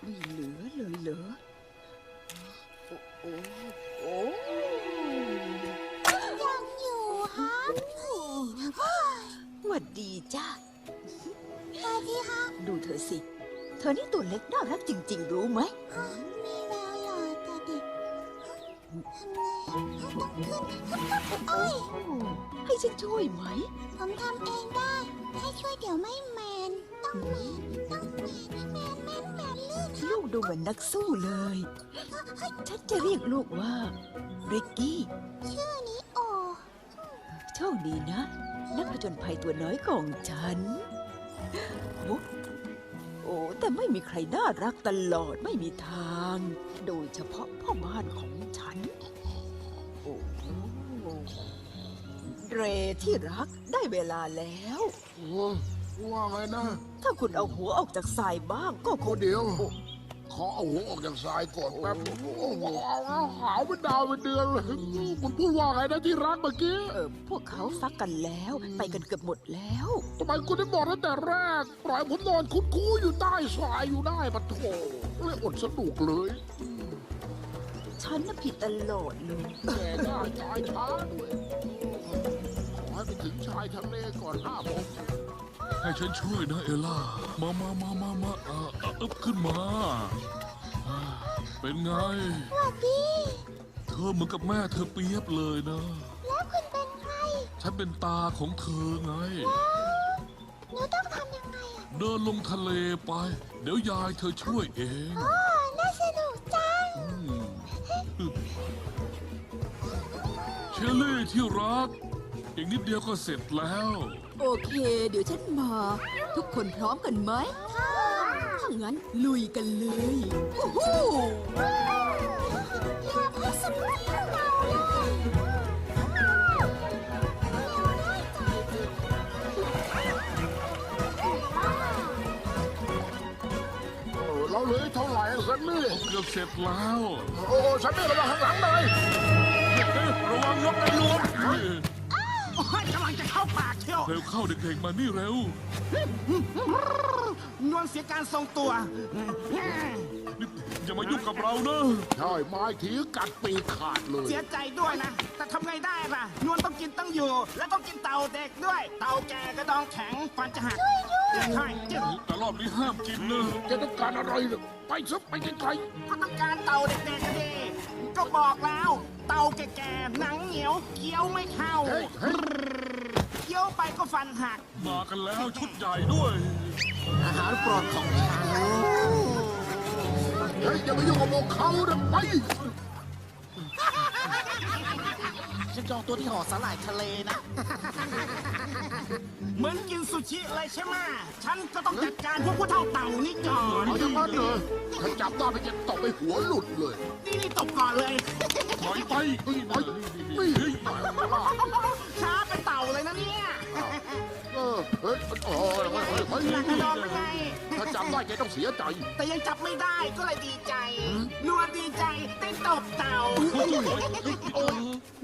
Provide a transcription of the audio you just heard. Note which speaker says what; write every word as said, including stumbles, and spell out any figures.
Speaker 1: ไม่เหลือเลยเหรอโอ้โอ้โอ้
Speaker 2: ยังอยู่ฮะ
Speaker 1: หวัดดีจ้า
Speaker 2: สวัสดีฮะ
Speaker 1: ดูเธอสิ เธอนี่ตัวเล็กน่ารักจริงๆ รู้ไหม
Speaker 2: มีแววหล่อแต่เด็กทำไงต้องขึ้นโอ้ย
Speaker 1: ให้ฉันช่วยไหม
Speaker 2: ผมทำเองได้ให้ช่วยเดี๋ยวไม่แมนต้องแมนต้องแมนแมนแมนแมนลื่น
Speaker 1: ลูกดูเหมือนนักสู้เลย ฉันจะเรียกลูกว่าริกกี้
Speaker 2: ชื่อนี้โอ
Speaker 1: โชคดีนะ นักผจญภัยตัวน้อยของฉันโอ้โอ้แต่ไม่มีใครน่ารักตลอดไม่มีทาง โดยเฉพาะพ่อบ้านของฉัน โอ้เรที่รักได้เวลาแล้ว
Speaker 3: โอ้ว่าไงนะ
Speaker 1: ถ้าคุณเอาหัวออกจากทรายบ้างก็ค
Speaker 3: โอ้
Speaker 1: ง
Speaker 3: เดี๋ยว ขอเอาหัวออกจากทรายก่อนแป๊บโอ้โหขาวเป็นดาวเป็นเดือนเลยคุณพูดว่าไงนะที่รักเมื่อกี้
Speaker 1: เออพวกเขาฟักกันแล้ว ไปกันเกือบหมดแล้ว
Speaker 3: ทำไมคุณได้บอกตั้งแต่แรก ปล่อยผมนอนคุดคู้อยู่ใต้ทรายอยู่ได้ปะโถเลยอดสนุกเลย
Speaker 1: ฉันน่ะผิดตลอดเลย
Speaker 3: แก่ได้ตายช้าด้วยขอให้ไปถึงชายทะเลก่อนห้าโมง
Speaker 4: ให้ฉันช่วยนะเอล่า มามามามามาเออเอออึบขึ้นมาอ่าเป็นไง
Speaker 2: สวัสดี
Speaker 4: เธอเหมือนกับแม่เธอเปียบเลยนะ
Speaker 2: แล้วคุณเป็นใคร
Speaker 4: ฉันเป็นตาของเธอไง
Speaker 2: หนูต้องทำยังไงอ่ะ
Speaker 4: เดินลงทะเลไป เดี๋ยวยายเธอช่วยเอง
Speaker 2: อ๋อน่าสนุกจัง
Speaker 4: อืมเชลลี่ที่รัก อีกนิดเดียวก็เสร็จแล้ว
Speaker 1: โอเค เดี๋ยวฉันมา ทุกคนพร้อมกันไหม ถ้างั้นลุยกันเลยโอ้โห
Speaker 2: อย่าพูดสนุกเราเลยได้ใจจริง
Speaker 3: เออเราเหลือเท่าไหร่สันนี่
Speaker 4: เกือบเสร็จแล้ว
Speaker 3: โอ้สันนี่ระวังข้างหลังหน่อย
Speaker 4: เอ๊ะระวังนกกระลวง
Speaker 5: โอ้ยกำลังจะเข้าปากเที่ยว
Speaker 4: เร็วเข้าเด็กๆมานี่เร็ว
Speaker 5: นวลเสียการทรงตัว
Speaker 4: นี่อย่ามายุ่งกับเรานะ
Speaker 3: ใช่ไม้ถีกัดปีกขาดเลย
Speaker 5: เสียใจด้วยนะ แต่ทำไงได้ล่ะ นวลต้องกินต้องอยู่ และต้องกินเต่าเด็กด้วย เต่าแก่กระดองแข็งฟันจะหักใช่จึ๊บ
Speaker 4: แต่รอบนี้ห้ามกินนะ
Speaker 3: จะต้องการอะไรเนี่ยไปซะไปไกล
Speaker 5: ก็ต้องการเต่าเด็กๆกันดีก็บอกแล้ว เต่าแก่ๆหนังเหนียวเคี้ยวไม่เข้า
Speaker 3: ๆเฮ้ยเฮ้ย
Speaker 5: เคี้ยวไปก็ฟันหัก
Speaker 4: มากันแล้วชุดใหญ่ด้วย
Speaker 5: อาหารโปรดของฉัน
Speaker 3: เฮ้ยอย่าไปยุ่งกับพวกเขานะไป
Speaker 5: ฉันจองตัวที่หอสาหร่ายทะเลนะ เหมือนกินซูชิเลยใช่ไหมฉันก็ต้องจัดการพวกผู้เท่าเต่านี่ก่อน
Speaker 3: เอาอย่างนั้นเลยถ้าจับได้ไปจะตบไปหัวหลุดเลย
Speaker 5: นี่นี่ตบก่อนเลย
Speaker 4: ถอยไป
Speaker 3: เฮ้ยไปนี่เฮ้ย
Speaker 5: ช้าเป็นเต่าเลยนะเนี่ย
Speaker 3: เออเฮ้ยโอ้ยเฮ้ยเฮ้ยเฮ้ย
Speaker 5: หลักกระโดดเป็นไง
Speaker 3: ถ้าจับได้แกต้องเสียใจ
Speaker 5: แต่ยังจับไม่ได้ก็เลยดีใจ นวลดีใจได้ตบเต่า
Speaker 3: โอ้ย